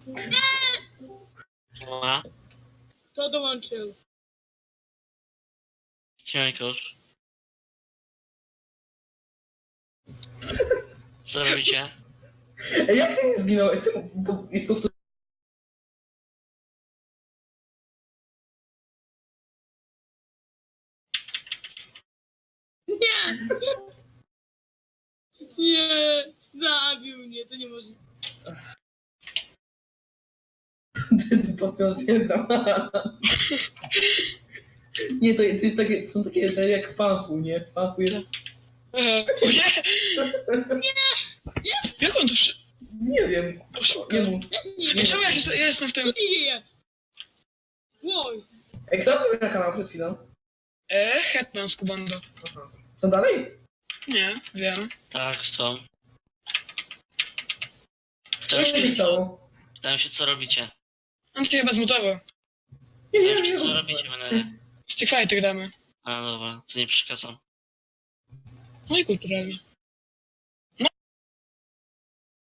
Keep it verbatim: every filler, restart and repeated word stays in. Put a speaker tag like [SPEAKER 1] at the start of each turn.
[SPEAKER 1] Siema.
[SPEAKER 2] Kto dołączył?
[SPEAKER 1] Siemankosz. Co robicie?
[SPEAKER 3] Ej, jak nie zginął? Ej, czemu? Bo jest powtór...
[SPEAKER 2] Nie! Nie! Zabił mnie, to nie może.
[SPEAKER 3] Potwierdzam. Nie, to, to jest takie, są takie jak w Panfu, nie? W Panfu jest...
[SPEAKER 4] Eee, o nie! Jak on to przy...
[SPEAKER 3] Nie wiem.
[SPEAKER 4] Poszukał.
[SPEAKER 3] Nie mów.
[SPEAKER 2] Ja się nie
[SPEAKER 4] Ej,
[SPEAKER 2] wiem.
[SPEAKER 4] czemu ja, się, ja jestem w
[SPEAKER 2] Co
[SPEAKER 4] tym...
[SPEAKER 2] się dzieje? Łoj!
[SPEAKER 3] Ej, kto był na kanał przed chwilą?
[SPEAKER 4] Eee, Hetman z Kubando.
[SPEAKER 3] Aha. Są dalej?
[SPEAKER 4] Nie, wiem.
[SPEAKER 1] Tak, są.
[SPEAKER 3] Co
[SPEAKER 1] Pytałem
[SPEAKER 3] się
[SPEAKER 1] się, co,
[SPEAKER 3] stało?
[SPEAKER 1] pytałem się, co robicie.
[SPEAKER 4] On cię chyba zmutował.
[SPEAKER 3] Nie
[SPEAKER 1] Pytałem
[SPEAKER 3] wiem,
[SPEAKER 1] się,
[SPEAKER 3] nie
[SPEAKER 1] co
[SPEAKER 3] wiem.
[SPEAKER 1] robicie, będę.
[SPEAKER 4] Z tych fajty gramy.
[SPEAKER 1] A dobra, to nie przeszkadzam.
[SPEAKER 4] No i kulturalnie.